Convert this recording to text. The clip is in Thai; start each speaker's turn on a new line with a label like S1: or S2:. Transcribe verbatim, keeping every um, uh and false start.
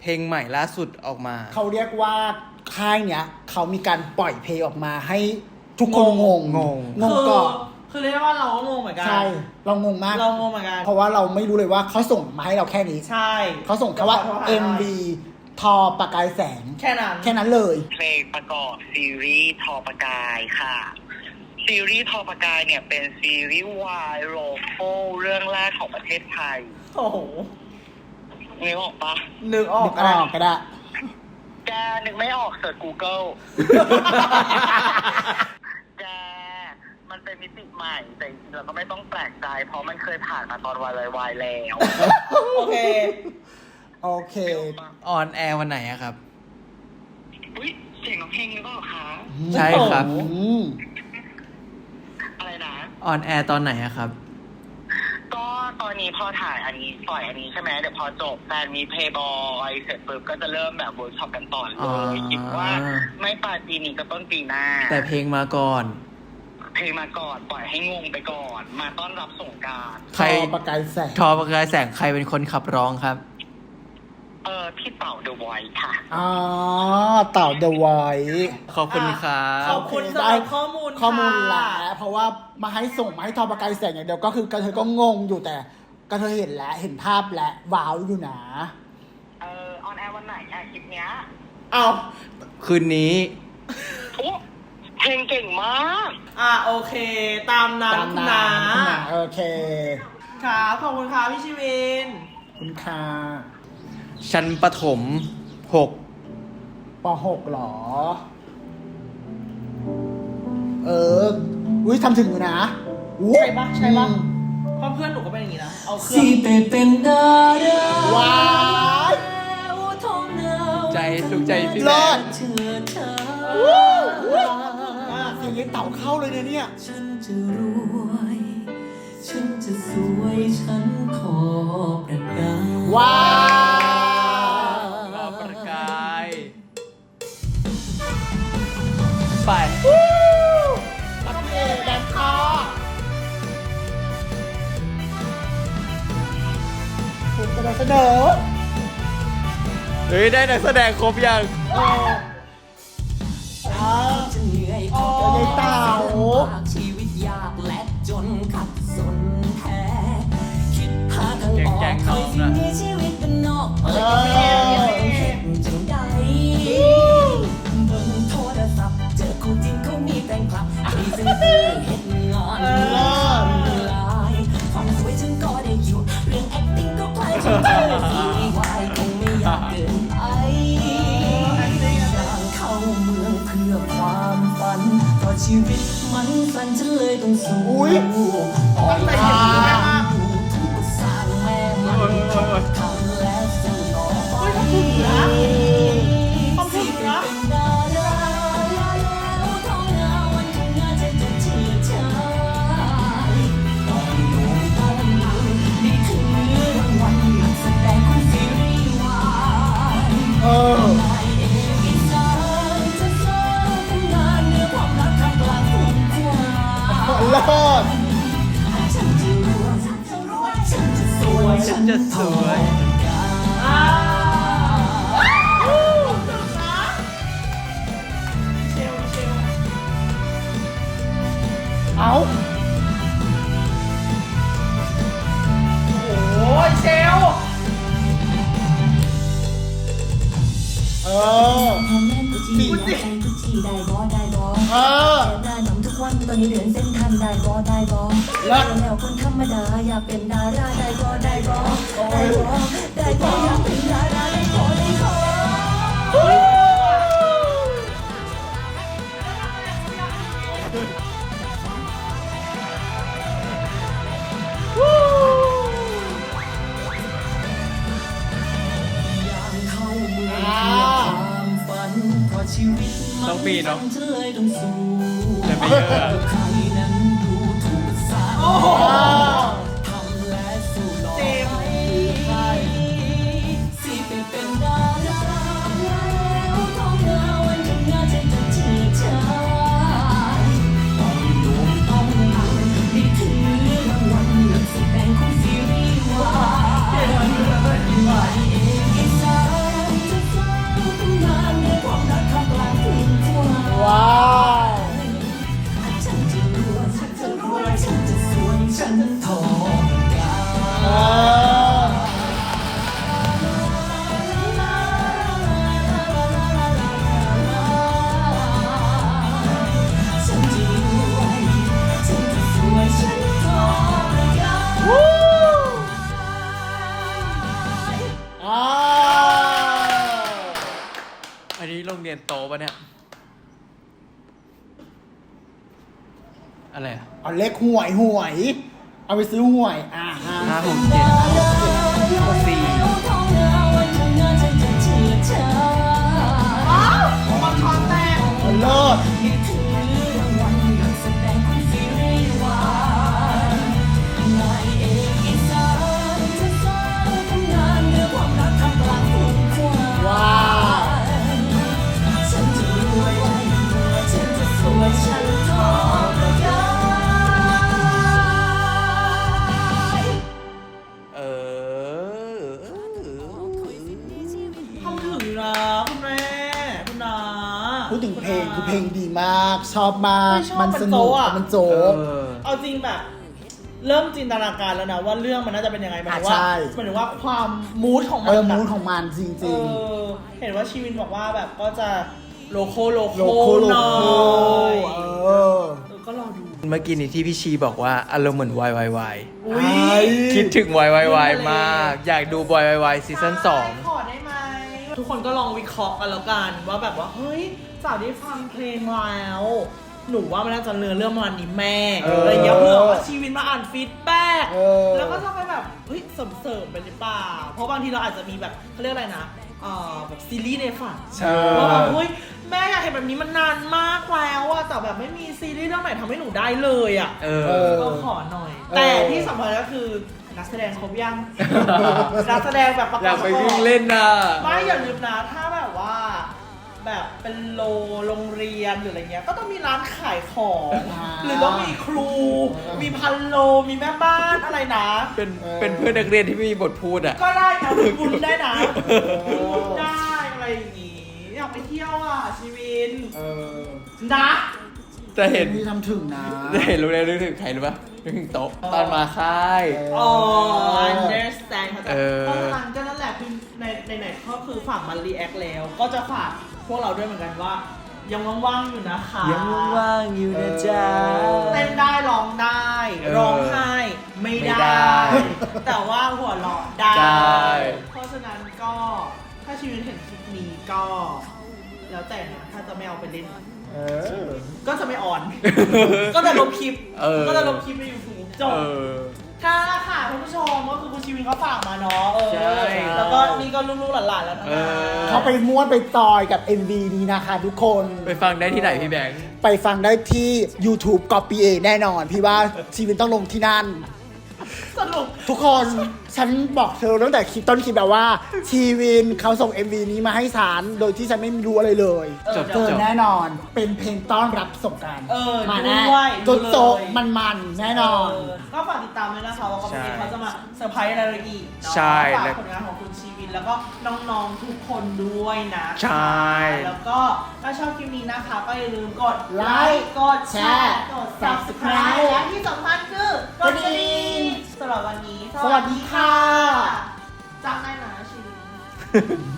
S1: เพลงใหม่ล่าสุดออกมา
S2: เขาเรียกว่าค่ายเนี้ยเขามีการปล่อยเพลงออกมาให้ทุกคนงง
S1: งง
S2: งงก่อน
S3: คือเรียกว่าเราก็งงเหมือนกัน
S2: ใช่เรางงมาก
S3: เรางงเหมือนกัน
S2: เพราะว่าเราไม่รู้เลยว่าเขาส่งมาให้เราแค่นี้
S3: ใช่
S2: เขาส่งแค่ว่า เอ็ม วี ทอประกายแสง
S3: แค่นั้น
S2: แค่นั้นเลย
S4: เพลงประกอบซีรีส์ทอประกายค่ะซีรีส์ทอประกายเนี่ยเป็นซีรีส์วายโรโฟเรื่องแรกของประเทศไทย
S3: โอ้โห
S4: นึกออกปะ
S3: นึกออก
S2: นึกออกก็ได้
S4: แกนึกไม่ออกเสิร์ช Google แกมันเป็นมิติใหม่แต่จริงๆเราก็ไม่ต้องแปลกใจเพราะมันเคยผ่านมาตอนวายวายแล้ว
S3: โอเค
S2: โอเค
S1: ออนแอร์วันไหนอะครับ
S4: อุ้ยเสียงน้องเพลงหรือเปล่าคะ
S1: ใช่ครับ
S4: อะไรนะ
S1: ออนแอร์ตอนไหนอะครับ
S4: ก็ตอนนี้พอถ่ายอันนี้ปล่อยอันนี้ใช่ไหมเดี๋ยวพอจบแฟนมีเพย์บอยเสร็จปุ๊บก็จะเริ่มแบบเวิร์กช็อปกันต่อเลยคิดว่าไม่ปลายปีนี้ก็ต้นปีหน้า
S1: แต่เพลงมาก่อน
S4: เพลงมาก่อนปล่อยให้งงไปก่อนมาต้อนรับสงกรานต์
S1: ใคร
S2: ประกายแสง
S1: ทอประกายแสงใครเป็นคนขับร้องครับ
S4: เออพี่เต่าเดอะไวท์ค่ะ
S2: อ๋อเต่าเดอะไวท์
S1: ขอบคุณครับ
S3: ขอบคุณสำหรับข้อมูล
S2: ข้อมูลแหละเพราะว่ามาให้ส่งมาให้ทอประกายแสงอย่างเดียวก็คือกระเทยก็งงอยู่แต่กระเทยเห็นแล้วเห็นภาพแล้วว้าวอยู่นะ
S4: เออออนแอร์วันไหนอะคลิปเนี้ย
S3: เอา
S1: คืนนี้
S4: โอ้เพลงเก่งมาก
S3: อ่ะโอเคตามนั้นคุณนา
S2: โอเค
S3: ครับขอบคุณค่ะพี่ชีวิน
S2: คุณค่ะ
S1: ชั้นประถมหก
S2: ปหกหรอเอออุ้ยทำถึงอยู่นะ
S3: ใช่ปะใช่ปะเพราะเพื่อนหนูก็เป็นอย่างนี้นะเอาเครื่อง
S2: ว้าย
S1: ใจสุขใจพี่
S2: แ
S1: ม่
S2: เสียงเต่าเข้าเลยเนี่ยเนี่ย
S5: ฉันจะรวยฉันจะสวยฉันขอประกาศ
S2: ว้าว
S1: ขอประกายไป
S2: ตัดเอแดนคอถูกเสนอ
S1: เฮ้ยได้นักแสดงครบยัง
S5: จะเหนื่อยออก
S2: เต่า
S5: ชีวิตยากและจนขัดสนแท้คิดหาทางออกคอยสิ่งมีชีวิตเป็นนอกเปิดแค่เห็นจังใดเบิ่งโทรศัพท์เจอคู่จริงเขามีแฟนคลับพรีเซนเตอร์เฮ็ดงานลายความสวยฉันก็ได้อยู่เรื่อง acting ก็คล้ายฉันเจอซีวายคงไม่อยากเกินไปอย่างเข้าเมืองเพื่อความฝันเพราะชีวิตมันสั้นฉันเลยต้องสู้ออกมาถูกสร้างแม่มันทำและสู้ต่อไปสิเป็นดาราแล้วท้องนาวันข้างหน้าจะจะเชื่อชายต้องโด่งต้องดังนี่คือรางวัลนักแสดงของซีรีส์วายนายเอกอีสานจะสร้างตำนานเนื้อความรักท่ามกลางฝุ่นควัน
S2: เลิศ
S5: ฉันจะรวยฉันจะรวยฉันจะสวย
S1: ฉันจะสวย
S2: เอา
S3: โอ้ยเชล
S2: เออ
S5: ปีนใจทุกทีได้บอได้บอเออได้หนมทุกวันตอนนี้เดินเส้นทันได้บอได้บอแล้วแล้วคนธรรมดาอยากเป็นดาราได้บอได้บอได้บอได้บออยากเป็นดาราได้บอได้บอชีวิตมันต้องเธอต้องสู้ใครนั้นดูถูกสาทำและสู้ต่อไปสิไปเป็นดาราแล้วท้องนาวันข้างหน้าจะจะเชื่อชายต้องโด่งต้องดังนี่คือรางวัลนักแสดงของซีรีส์วายนายเอกอีสาน
S1: เรียนโตปะเนี่ย อะไรอะ
S2: เอาเลขหวยหวย เอาไปซื้อหวย อ่าฮะ
S1: ห้าหกเจ็ดสี่
S3: มันคอนแตก
S2: เลิศ ว้าว
S5: ฉันจะรวยฉันจะสวยฉันทองก็ได้
S1: เออ
S3: ทำถึงนะคุณแม่คุณนา
S2: พูดถึงเพลงคือเพลงดีมาก ชอบมาก
S3: ไม่ชอบ
S2: มันส
S3: มัน
S2: นุก
S3: โจ๊ะอะ
S2: มันโจ๊
S1: เอก อ
S3: เอาจริงแบบ เริ่มจินตนาการแล้วนะว่าเรื่องมันน่าจะเป็นยังไงหมายถึง
S2: อ่ะ
S3: ว่า
S2: ใช่
S3: หมายถึงว่าความมูดของมั
S2: เอน อ
S3: อะ
S2: มูดของมันจ
S3: เอ
S2: ริง
S3: อเห็นว่าชีวินบอกว่าแบบก็จะโลโก้โล
S2: ๆ โล
S3: โก้
S2: โก้โล
S3: หน่อ
S2: โก้
S3: ย
S2: เออ
S3: เออก็รอดู
S1: เมื่อกี้นี้ที่พี่ชีบอกว่าอารมณ์เหมือนวายวายวาย
S3: อุ้ย
S2: ไอ้
S1: คิดถึงวายวายวายมาก อยากดูบอยวายวายซีซั่นสอง
S3: ขอได้ไหมทุกคนก็ลองวิเคราะห์กันแล้วกันว่าแบบว่าเฮ้ยจากที่ฟังเพลงแล้วหนูว่ามันน่าจะเนื้อเรื่องประมาณนี้แม่
S2: เอออ
S3: อะไรอย่างเงี้ยเพื่อว่าชีวินมาอ่านฟีดแบ็ก
S2: เออ
S3: แล้วก็จะไปแบบเฮ้ยเสริมๆไปหรือเปล่าเพราะบางทีเราอาจจะมีแบบเขาเรียกอะไรนะเอ่อแบบซีรีส์ในฝัน
S2: ใช่
S3: ว่าแบบเฮ้ยแม่อยากเห็นแบบนี้มันนานมากแล้วอะแต่แบบไม่มีซีรีส์เรื่องไหนทำให้หนูได้เลยอะ
S1: เอ
S2: เอ
S1: อ
S2: อ
S3: ก็ขอหน่อย
S2: เออ
S3: แต่ที่สำคัญก็คือนักแสดงครบยัง นักแสดงแบบประก
S1: อยา
S3: อก บ
S1: ไปวิ่งเล่นน่ะ
S3: ไม่อย่าลืมนะถ้าแบบว่า แบบเป็นโลโรงเรียนหรืออะไรเงี้ยก็ต้องมีร้านขายของ
S2: อ่า
S3: หรือต้องมีครู มีพันโลมีแม่บ้านอะไรนะ
S1: เป็น
S2: เออ
S1: เป็นเพื่อนนักเรียนที่ไม่มีบทพูดอ่ะ
S3: ก็ได้นะบุญได้นะบุญได้อะไรอย่างงี้อยากไปเที่ยวอ่ะชีวิน
S2: เออ
S3: นะ
S1: จะเห็น
S2: พี่ทำถึงนะ
S1: จะเห็นรู้เลยนึกถึงใครรู้ปะนึกถึงโต๊ะตอนมาค่าย
S3: อ๋อ understand เข้าใจ
S1: เออ
S3: เพราะฉะนั้นก็นั่นแหละคือในในไหนก็คือฝากมารีแอคแล้ว ก็จะฝากพวกเราด้วยเหมือนกันว่า ยังว่างๆอยู่นะคะ
S1: ยังว่างๆอยู่นะจ๊ะ
S3: เต้นได้ร้องได้
S1: เออ
S3: ร้องไห้ไม่
S1: ไม่
S3: ได้
S1: ได้
S3: แต่ว่าหัวเราะได้
S1: ได้
S3: เพราะฉะนั้นก็ถ้าชีวิตเห็นคลิปนี้ก็ แล้วแต่นะถ้าจะไม่เอาไปเล่น
S2: เออ
S3: ก็จะไม่ออน ก็จะลบคลิป
S1: เออ
S3: ก็จะลบคลิปในยูทูบจบ
S1: เออ
S3: ค่ะค่ะคุณผู้ชมก็คือคุณชีวินเขาฝากมาเนาะเออ
S1: ใช่
S3: แล้วก็นี่ก็ลูกๆหลานๆแล้วนะ
S1: เออ
S2: เขาไปม้วนไปจอยกับ เอ็ม วี นี้นะคะทุกคน
S1: ไปฟังได้ที่ไหนพี่แบงค์
S2: ไปฟังได้ที่ YouTube Copy A แน่นอน พี่ว่าชีวิตต้องลงที่นั่น
S3: สรุป
S2: ทุกคนฉันบอกเธอตั้งแต่คลิปต้นคลิปแบบว่า ชีวินเขาส่ง เอ็ม วี นี้มาให้ฉันโดยที่ฉันไม่รู้อะไรเลย
S3: เออ
S1: จบ
S2: เจอแน่นอนเป็นเพลงต้อนรับสงกรานต์
S3: เออ
S2: มาแน่
S3: ด้วย
S2: โจโจ
S3: ดูเลย
S2: มันมันๆแน่นอน
S3: เก็ฝากติดตามด้วยนะคะว่าเขา
S1: ใช่
S3: เขาจะมาเซอร์ไพรส์อะไรเราอีกเนาะ
S1: ใช่
S3: ฝาก
S1: และ
S3: ผลงานของคุณชีวินแล้วก็น้องๆทุกคนด้วยนะ
S1: ใช่
S3: แล้วก็ถ้าชอบคลิปนี้นะคะ ก็อย่าลืมกด
S2: ไลค์
S3: กดแชร์ กด subscribe และที่สำคัญคือกดกระดิ่งสำหรับวันนี้
S2: สวัสดีค่ะ
S3: จำได้นะชีวิน